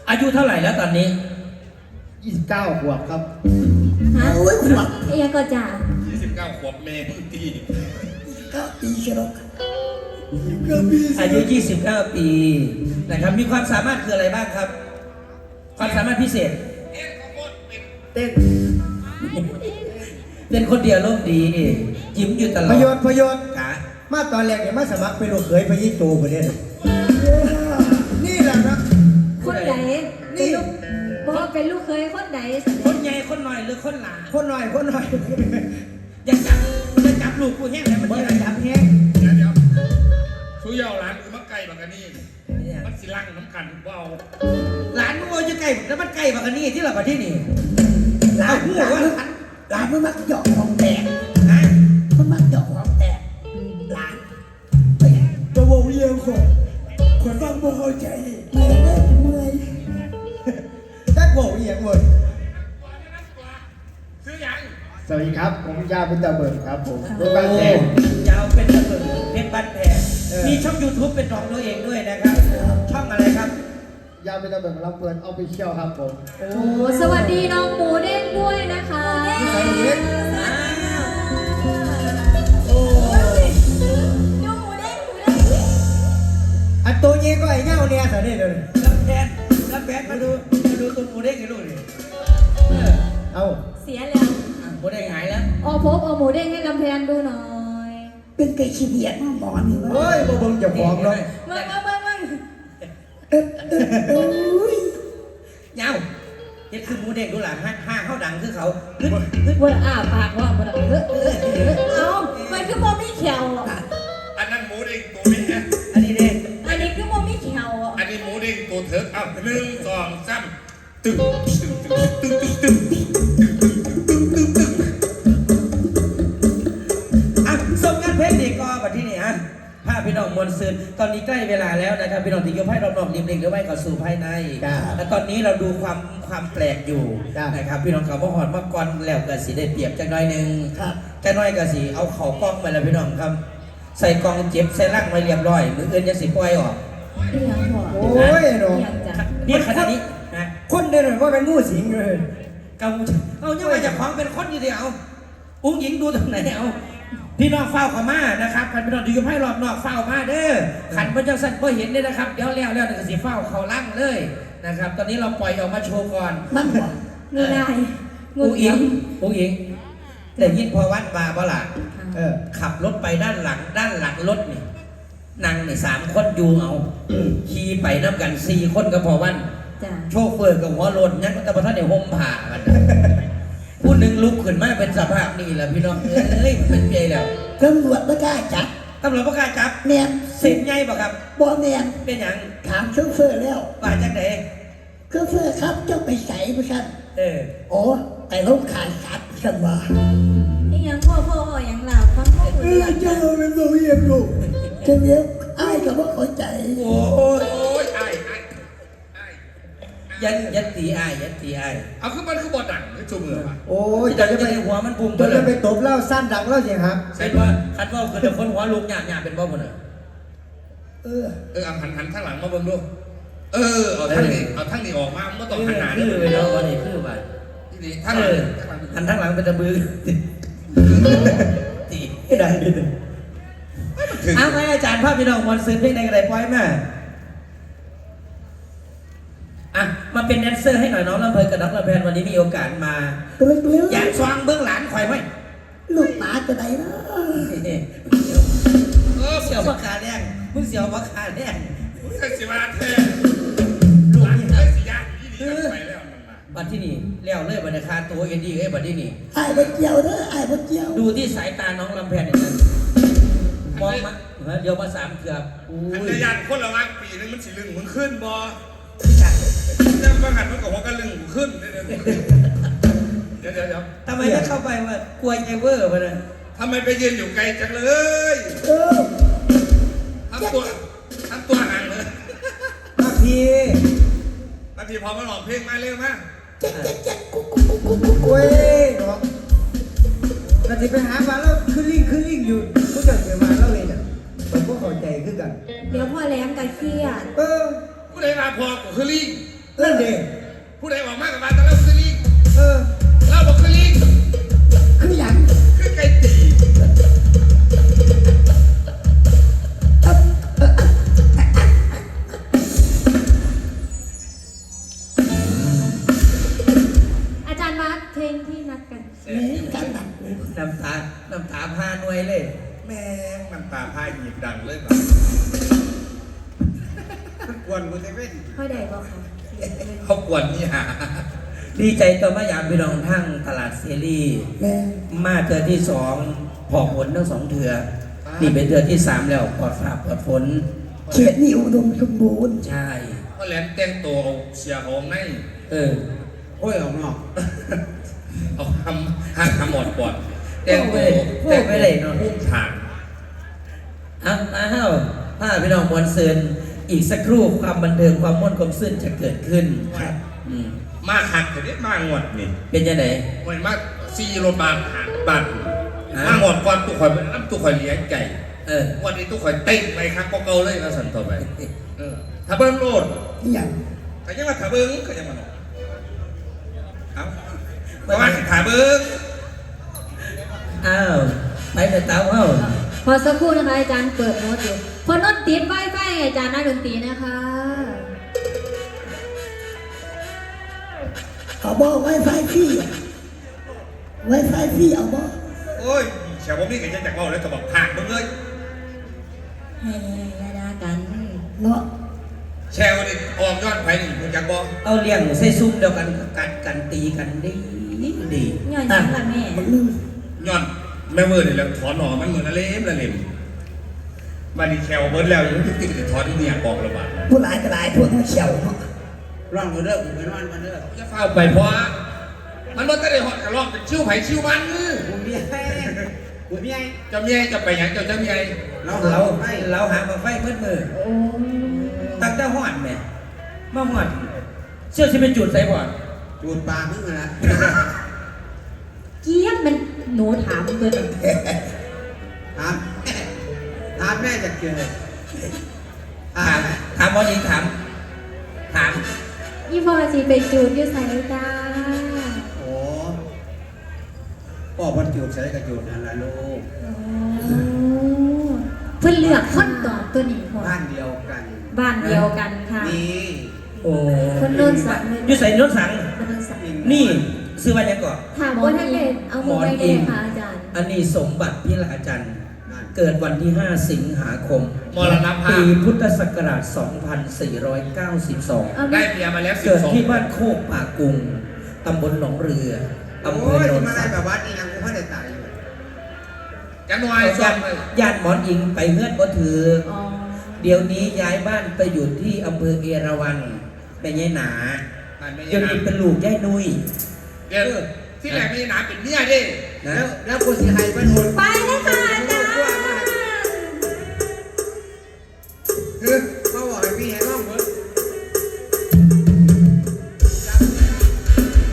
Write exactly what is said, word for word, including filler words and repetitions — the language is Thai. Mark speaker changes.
Speaker 1: อายุเท่าไหร่แล้วตอนนี้
Speaker 2: ยี่สิบเก้าขวบครับ
Speaker 3: ฮะ
Speaker 4: โอ้ยขวบ
Speaker 3: เอียก็จ่า
Speaker 5: ยี่สิบเก้าขวบเมย์ตี
Speaker 4: เก้าปีเชียว
Speaker 1: อายุยี่สิบเก้าปีนะครับมีความสามารถคืออะไรบ้างครับความสามารถพิเศษ
Speaker 2: เต้น
Speaker 1: เป็นคนเดียวโลกดียิ้มอยู่ตลอด
Speaker 2: พยศพยศ
Speaker 1: กะ
Speaker 2: มาตอนแรกเนี่ยมาสมัครเป็นลูกเขยพยิโตประเด็นนี่แหละนะ
Speaker 3: คนไหนนี่ลูกบอกเป็นลูกเคยคนไหน
Speaker 1: คนใหญ่คนหน่อยหรือคนหลา
Speaker 2: คนหน่อยคนหน่อย
Speaker 1: อย่าจับอย่าจับลูกกูแห้งเลยมันอย่าจับแห้ง
Speaker 5: เดี๋ยวเดี๋ยวชูยาวหลานคือมักไก่บักกันนี่มันสิลังน้ำกันเบา
Speaker 1: หลานมึงเอาจะไก่แล้วมันไก่บักกันนี่ที่เราประเทศนี่
Speaker 4: หลานหลานหลานมันมักหยอกของแตก
Speaker 1: ฮะ
Speaker 4: มันมักหยอกของแตกหลาน
Speaker 2: ตัววงเยี่ยมคนคนฟังบ่เข้าใจ
Speaker 4: เมื่อยเมื่อยเมื่อย
Speaker 2: จักโง่เอียงหมด
Speaker 5: ซื้อยัง
Speaker 2: สวัสดีครับผมยาเป็นตาเบิร์ครับผมเป็นบ้านแพง
Speaker 1: ยาวเป็นตะเบิดเป็นบ้านแพงมีช่อง ยูทูบ เป็นของตัวเองด้วยนะครับช่องอะไรครับ
Speaker 2: ยาเป็นตาเบิร์เราเปิดเอาไปเชี่ยวครับผม
Speaker 3: โอ้สวัสดีน้องหมูเด้งด้วยนะคะ
Speaker 1: โอ้
Speaker 3: น้องหมูเด้งหมูเด้ง
Speaker 2: อันตัวเงี้ยก็ไอ้เง่าเนี่ยสันนี่เลย
Speaker 1: รับแทนรับแทนมาดูมาดูตัวหมูเด้งให้ดูดิ
Speaker 2: เอา
Speaker 3: เสียแล้ว
Speaker 1: หมูเด้งหายแล้ว
Speaker 3: อ๋อพบเอาหมูเด้งให้กำแพงดูหน่อย
Speaker 4: เป็นไก่ขี้เดียดมาหมอนนี่วะ
Speaker 2: เฮ้ยบ่เบิ่งจะฟ้องเลย
Speaker 3: มึงมึงมึงมึง
Speaker 4: เออเออเอ้ย
Speaker 1: เงาเฮ็ดคือหมูเด้งดูหลังห้าห้าเข้าดังคือเขาฮึดฮึด
Speaker 3: ว่าอ้าปากว่ามันเออเออเอ้ามันคือโมมี่เขียว
Speaker 5: อันนั้นหมูเด้งตัวนี้นะ
Speaker 1: อันนี้เด้ง
Speaker 3: อันนี้คือโมมี่เขียว
Speaker 5: อันนี้หมูเด้งตัวเถิกเอาหนึ่งสองสามตึ้งตึ้งตึ้งตึ้งตึ้งตึ้ง
Speaker 1: อ่ะส่งงานเพลงดีก็แบบที่นี่ฮะภาพพี่น้องมวลซืนตอนนี้ใกล้เวลาแล้วนะครับพี่น้องที่ยกให้รอบๆริมเล็กหรือไม่ก็สู่ภายในและตอนนี้เราดูความความแปลกอยู่นะครับพี่น้องเขาบอกหอดมาก่อนแล้วก็สีได้เปรียบจังน้อยหนึ่งจังน้อยก็สีเอาเข่ากล้องมาแล้วพี่น้องครับใส่กล้องเจ็บใส่ร่างไว้เรียบร้อยมืออื่นยังสีปล่อยออก
Speaker 2: โอ้ยน้อง
Speaker 1: นี่ขนาดนี้นะ
Speaker 2: คนเดินว่าเป็นงูสิงเลย
Speaker 1: เกาเอาเนี่ยมาจากของเป็นคนอยู่เดียวอุ้งหญิงดูตรงไหนเอาพี่น้องเฝ้าเขามานะครับขันพี่น้องดูยมให้รอบนอกเฝ้ามาเด้อขันพระเจ้าสั่นก็เห็นเลยนะครับเดี๋ยวแล้วแล้วก็สีเฝ้าเขาลั่งเลยนะครับตอนนี้เราปล่อยออกมาโชว์ก่อน
Speaker 4: มันบอก
Speaker 3: งูได้
Speaker 1: งูอิงงูอิงแต่ยินพอวัดมาบ่ล่ะเออขับรถไปด้านหลังด้านหลังรถนี่นั่งนี่สามคนอยู่เอาขี่ไปน้ำกันสี่คนก็พอวันโชเฟอร์กับหัวรถยักษ์กับพระท่านในห่มผ้ากันผู้หนึ่งลุกขึ้นมาเป็นสภาพนี่แหละพี่น้องเอ้ยเป็นใหญ่แล้ว
Speaker 4: ตำรวจไม่กล้าจับ
Speaker 1: ตำรวจไม่กล้าจับ
Speaker 4: แมน
Speaker 1: เส็จใหญ่ป่ะครับ
Speaker 4: บ่แมน
Speaker 1: เป็นอย่าง
Speaker 4: ถามโชเฟอร์แล้ว
Speaker 1: ว่าจากไหน
Speaker 4: โชเฟอร์ครับเจ้าไปใส่ผู้ชัน
Speaker 1: เออ
Speaker 4: โอ้ไปลูกขายสัตว์ฉันว่า
Speaker 3: นี่ยังพ่อพ่อยังหลับฟังพ่อคุยหลับ
Speaker 4: เจ้าเป็นตัวเยี่ยมลูกเจ้าเนี้ยไอ้กับว่าเข้าใจ
Speaker 1: โอ้
Speaker 5: ยโอ้ยไอ้ไอ้
Speaker 1: ยันยันตีไอ้ยันตีไอ้
Speaker 5: เอาคือมันคือบอดังคือจูมือมา
Speaker 2: โอ้ยจะ
Speaker 1: จะไปหัวมันปุ่ม
Speaker 2: จะจะไปตบเล่าสั้นดังเล่าเสียงครับ
Speaker 1: ใช่ว่าคันว่าคือแต่คนหัวลูกหยาบหยาบเป็นบ่หมดเลย
Speaker 4: เออ
Speaker 5: เออเอาหันหันข้างหลังมาเบิ่งดูเออเอาทั้งนี้เอาทั้งนี้ออกมาไม่ต้องหันหน้า
Speaker 1: คือไปแล้ววันนี้คือไป
Speaker 5: นี่ทั้งหลัง
Speaker 1: หันทั้งหลังเป็นตะบือตี
Speaker 2: ไม่ได้
Speaker 1: อ้าวไงอาจารย์ภาพพี่น้องมวลซื้อเพลงในกระไรปล่อยมาอ่ะมาเป็นแดนเซอร์ให้หน่อยน้องลำเพลินกับน้องลำเพลินวันนี้มีโอกาสมาอยากฟังเบื้องหลังคอยไหม
Speaker 4: ลูกหมาจะไหนนะ
Speaker 1: เออเสียวมะขาแดงมึงเสียวมะขาแดง
Speaker 5: มึงเสียวมาแท้ลูกนี่เฮ้ยสิยาที่นี่ไปแล้ว
Speaker 1: บัดที่นี่เลี้ยวเลยบัดคาตัวเอ็นดี้เอ้บัดที่นี่
Speaker 4: ไอ้บัดเจียวเด้อไอ้บัดเจียว
Speaker 1: ดูที่สายตาน้องลำเพลินอย่างนั้นมองมาเดี๋ยวมาสามเกือบ
Speaker 5: อันเดียนคนละวักปีนึงมันสีลึงมึงขึ้นบอเรื่องประกันมันกับว่าก็ลึงขึ้นเดี๋ยวเดี๋ยวเดี๋ยว
Speaker 1: ทำไมไม่เข้าไปว่ากลัวไอเวอร์มาเลย
Speaker 5: ทำไมไปยืนอยู่ไกลจังเลยทำตัวทำตัวห่างเลย
Speaker 2: มาพี่
Speaker 5: มาพี่พอมาหลอกเพลงมาเร็วมา
Speaker 4: เจ๊เจ๊เจ๊กุ๊กกุ๊กกุ๊กกุ๊กกุ๊ก
Speaker 2: เว้ยเนาะเราจะไปหามาแล้วขึ้นลิงขึ้นลิงอยู่พวกเจ้าเสียมาแล้วเลยเนี่ยผมก็เข้าใจขึ้นกัน
Speaker 3: เดี๋ยวพ่อแหลมกับเครียด
Speaker 2: เออ
Speaker 5: ผู้ใดมาพอกูคือลิง
Speaker 4: นั่นดิ
Speaker 5: ผู้ใดบอกมากกับมาแต่เราคือลิง
Speaker 2: เออ
Speaker 5: เราบอกคือลิง
Speaker 4: คือหยัง
Speaker 5: คือไก่ตี
Speaker 3: อาจารย์มาร์คเพลงที่นัดกัน
Speaker 4: แม่กันดับเลย
Speaker 1: น้ำตา น้ำตาพาหน่วยเลย
Speaker 5: แม่งน้ำตาพายหยิบดังเลยแบบ
Speaker 2: กวนกูจะเป็น
Speaker 3: ค่อยได้บอกค่ะ
Speaker 5: เขากวนนี่ฮะ
Speaker 1: ดีใจต่อมายามพี่น้องทั้งตลาดเซรี
Speaker 4: แม่
Speaker 1: มาเทือที่สองพอผลทั้งสองเถือนี่เป็นเถือที่สามแล้วปลอดฝาปลอดฝน
Speaker 4: เขตนี่อุดมสมบูรณ์
Speaker 1: ใช่
Speaker 5: เพราะแหลมแต่งตัวเอาเสียของใน
Speaker 1: เออ
Speaker 2: โอ้ยออกนอก
Speaker 5: เอาทำห้างทำหมดปอดแต่งตัว
Speaker 1: แต่งไปเลยเนาะ
Speaker 5: พุ่งฐาน
Speaker 1: อ้าวอ้าวถ้าพี่น้องมวลเซินอีกสักครู่ความบันเทิงความม่วนความซื่นจะเกิดขึ้นครับอืม
Speaker 5: มาหักแต่นี้มางวดนี่
Speaker 1: เป็นยังไง
Speaker 5: มันมาซีโรบานหักบาน
Speaker 1: ฮะ
Speaker 5: มางวดก่อนตุกข่อยเป็นน้ำตุกข่อยเลี้ยงไก่
Speaker 1: เออ
Speaker 5: วันนี้ตุกข่อยเต้นไปครับก็เกาเลยแล้วสันต่อไปเออถ้าเบิ้งโลด
Speaker 4: นี่หยัง
Speaker 5: ก็ยังว่าถ้าเบิ้งก็ยังมาหนอกเอาเพราะว่าถ้าเบิ้ง
Speaker 1: อ้าวไปแต่เต้าเอ้า
Speaker 3: พอสักครู่นะคะอาจารย์เปิดโน้ตอยู่พอโน้ตติดไฟไฟอาจารย์นักดนตรีนะคะ
Speaker 4: เอาบ่ไวไฟฟรีไวไฟฟรีเอาบ่
Speaker 5: โอ้ยชาวบ้านนี่ก็ยังจากว่าแล้วก็บอกผ่านมึงเลย
Speaker 3: เฮ้ยยาดากัน
Speaker 4: เนาะ
Speaker 5: แชร์วันนี้ออกยอดไปหนึ่งมึงจากบอก
Speaker 1: เอาเลี้ยงใส่ซุ้มเดียวกันกัดกันตีกันดีดี
Speaker 3: ย่อยยังละแม่
Speaker 4: บักนึง
Speaker 5: ย้อนแม่เมื่อนี่แล้วถอนหน่อมันเหมือนละเล็มละเล็มวันนี้แชร์เบิร์ดแล้วยังติดติดถอนที่เนี่ยบอกระบาด
Speaker 4: ผู้หลายก็หลายพวกมันเขียวเนาะ
Speaker 2: ร่องกูเด้อกูเป็นวันมันเด้อ
Speaker 5: จะเฝ้าไปเพราะว่ามันมันก็ได้หอดกระรอกเป็นชิวไผ่ชิวมัน
Speaker 2: กูมีไอ้กูมีไอ้
Speaker 5: เจ้าเมียจะไปหยังเจ้าเจ้าเมีย
Speaker 2: เรา
Speaker 1: เรา
Speaker 2: ไอ้
Speaker 1: เราหามาไฟมืดมือ
Speaker 3: โอ้
Speaker 1: ตั้งแต่หอดแม่มาหอดเชื่อที่เป็นจุดใส่บ่อน
Speaker 2: จูดปากมึงนะ
Speaker 3: เจี๊ยบมันหนูถามเบิร์ด
Speaker 2: ถามถามแม่จะเกิดถา
Speaker 1: ถาม มถามบอลอีกถามถาม
Speaker 3: ยี่พอจีไปจูดอยู่ใส่จ้า
Speaker 2: โอ้พ่อพันจูดใส่กระจูดนั่นละลูก
Speaker 3: โอ้เพื่อนเลือกคนตอบตัวนี้พอ
Speaker 2: บ้านเดียวกัน
Speaker 3: บ้านเดียวกันค่ะ
Speaker 2: นี่
Speaker 1: โอ้
Speaker 3: คนโดนสั่งเลย
Speaker 1: อยู่ใส่โน้นสัง
Speaker 3: คนโดนสั่ง
Speaker 1: นี่ซื้อมายังก่อน
Speaker 3: ถามว่าท่านเด็กเอามือไปได้ไหมคะอาจารย์
Speaker 1: อันนี้สมบัติพิลาจันทร์
Speaker 2: นั่น
Speaker 1: เกิดวันที่ ห้า สิงหาคม
Speaker 5: มรณภา
Speaker 1: ปี
Speaker 5: พ
Speaker 1: พุทธศักราช สองพันสี่ร้อยเก้าสิบสอง
Speaker 3: เอา
Speaker 5: ได้เมียมาแล้วสิบ
Speaker 1: เกิด
Speaker 5: สอง
Speaker 1: ที่บ้านโคกป่ากุง ตำบลหนองเรืออำเภ
Speaker 2: โอ้
Speaker 1: อย โนน
Speaker 2: มา
Speaker 1: สั
Speaker 2: ได้
Speaker 1: ง
Speaker 2: แบบว่านี่ยังกูไม่ได้ตายอยู่
Speaker 5: จันวายซ้อ
Speaker 1: ญาม ติ
Speaker 5: เลย
Speaker 1: ญาติหมอนอิงไปเฮือนก็ถือ
Speaker 3: อ๋อ
Speaker 1: เดี๋ยวนี้ย้ายบ้านไปอยู่ที่อำเภอเอราวัณไปยายหนา
Speaker 5: นั่นไม่
Speaker 1: เดี๋ยว
Speaker 5: ใช่
Speaker 1: นี้เป็นลูกยายนุย
Speaker 5: เดี๋ยวที่แหลมมีหนาเป็นเมียดิ
Speaker 1: นะ
Speaker 2: แล้วแล้วกูสิให้เป็นหมด
Speaker 3: ไปเลยค่ะ